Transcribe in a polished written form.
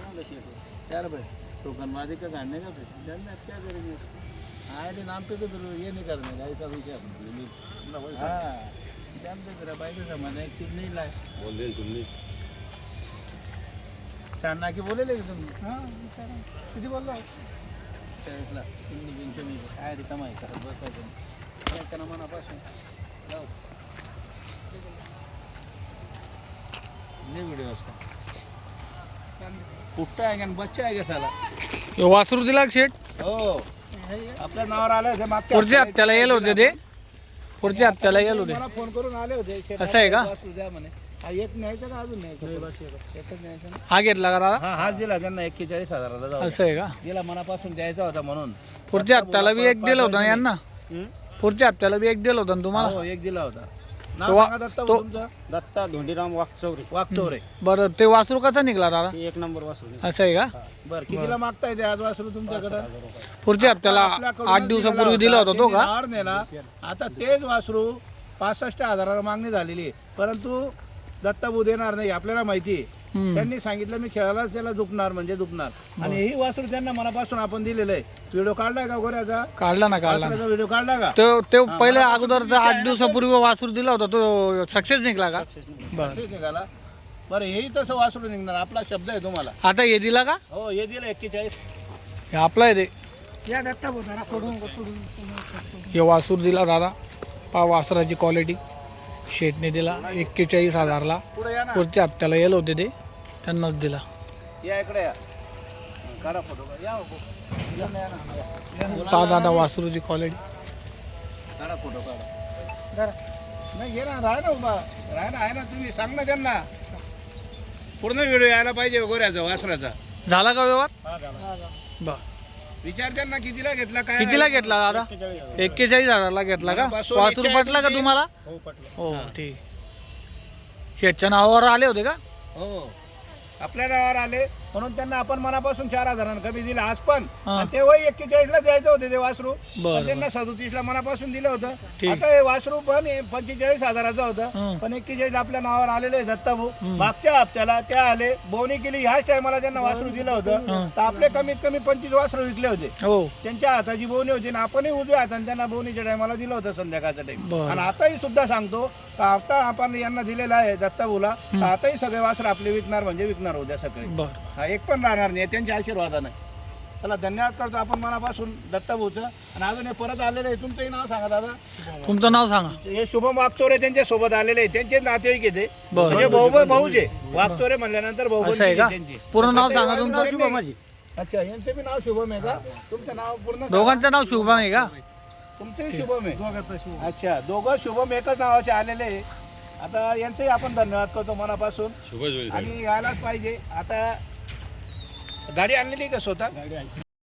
चांगलं शेट त्याला भाई टोकनवादी का गाड़ने का फिर जानना क्या करेंगे आए दिन नाम पे तो फिर ये नहीं करने का ऐसा विषय हाँ जानते तेरा भाई का जमाना एक चीज नहीं लाए बोल दे तुमने शाना की बोले लेकिन तुम हाँ किती बोलला त्याला तुम्ही बिनचे मी काय रे कमाई करत बसायचं काय त्यांना मनापासून जाऊ नहीं वीडियो उसका कुट्टा आहे का बच्चा आहे का साला वासरू दिला का शेट हो आपल्या नावावर आलं होते मागच्या पुढच्या हप्त्याला येल होते ते पुढच्या हप्त्याला येल होते मला फोन करून आले होते असं आहे का? वासरू द्या म्हणे हा एक न्यायचं का अजून न्यायचं एकच न्यायचं ना हा घेतला का दादा हा हाच दिला त्यांना 41,000 जाऊ असं आहे का दिला मनापासून द्यायचा होता म्हणून पुढच्या हप्त्याला बी एक दिलं होतं ना यांना पुढच्या हप्त्याला बी एक दिलं होतं ना तुम्हाला हो एक दिला होता नाव तो- सांगा दत्ता तो- तुमचं दत्ता धोंडीराम वाकचौरे वागचौरे बरं ते वासरू कसा निघला दादा एक नंबर वासरू असं आहे का बरं कितीला मागताय ते आज वासरू तुमच्याकडे पुढच्या हप्त्याला 8 दिवसापूर्वी दिला होता तो का हार नेला आता तेच वासरू 65,000 मागणी झालेली आहे परंतु दत्ताबू देणार नाही आपल्याला माहिती आहे हम्म. त्यांनी सांगितलं मी खेळायलाच त्याला दुखणार म्हणजे दुखणार आणि ही वासरू त्यांना मनापासून आपण दिलेलं आहे व्हिडिओ काढलाय का गोऱ्याचा काढला ना काढला ना. वासराचा व्हिडिओ काढला का तो पहिल्या अगोदर 8 दिवसापूर्वी वासरू दिला होता तो सक्सेस निघला का बरं असेच निघाला बरं हेही तसं वासरू निघणार आपला शब्द आहे तुम्हाला आता हे दिला का हो हे दिलं 41 हे आपला आहे ते या दत्ता बोला सोडून हे वासूर दिला दादा पा वासराची क्वालिटी शेटने दिला 41,000ला पुढे या ना पुढच्या हप्त्याला येल होते ते त्यांनाच दिला या इकडे या काढा फोटो या हो. या ना, या ना. पा दादा वासरूची क्वालिटी काढा फोटो काढा नाही ये ना राहा ना उभा राहा ना आहे ना तुम्ही सांग ना त्यांना पूर्ण व्हिडिओ यायला पाहिजे गोऱ्याचा वासराचा झाला का व्यवहार बर विचार त्यांना कितीला घेतला काय कितीला घेतला दादा 41,000ला घेतला का बसून वासूर विचार पटला का किती? तुम्हाला हो पटलं हो ठीक शेटच्या नावावर आले होते का हो आपल्या नावावर आले म्हणून त्यांना आपण मनापासून 4,000 कमी दिला आज पण हा. आणि तेव्हाही 41ला द्यायचं होते ते वासरू बरं, पण त्यांना 37ला मनापासून दिलं होतं ठीक. आता हे वासरू पण 45,000चं होतं हं. पण 41 आपल्या नावावर आलेले आहे दत्ताभाऊ मागच्या हप्त्याला त्या आले बोनी केली ह्याच टायमाला त्यांना वासरू दिलं होतं तर आपले कमीत कमी 25 वासरू विकले होते हो त्यांच्या हाताची बोवणी होती ना आपणही उजव्या हाताने त्यांना बोवणीच्या टायमाला दिलं होतं संध्याकाळचा टाइम बरं. आणि आताही सुद्धा सांगतो का आता आपण यांना दिलेला आहे दत्ताभाऊला तर आताही सगळे वासर आपले विकणार म्हणजे विकणार उद्या सगळे बर हा एक पण राहणार नाही त्यांच्या आशीर्वादाने चला धन्यवाद करतो आपण मनापासून दत्ताभाऊचं आणि अजून हे परत आलेले आहे तुमचंही नाव सांगा दादा तुमचं नाव सांगा हे शुभम वागचोरे त्यांच्या सोबत आलेले आहे त्यांचे नातेवाईक येते बरं. म्हणजे भाऊचे वागचोरे म्हणल्यानंतर भाऊ असं आहे का त्यांची पूर्ण नाव सांगा तुमचं शुभमाजी अच्छा यांचं बी नाव शुभम आहे का तुमचं नाव पूर्ण सांगा. दोघांचं नाव शुभम आहे का तुमचंही शुभम आहे अच्छा दोघं शुभम एकच नावाचे आलेले आहे आता यांचंही आपण धन्यवाद करतो मनापासून आणि यायलाच पाहिजे आता गाडी आणलेली का स्वतः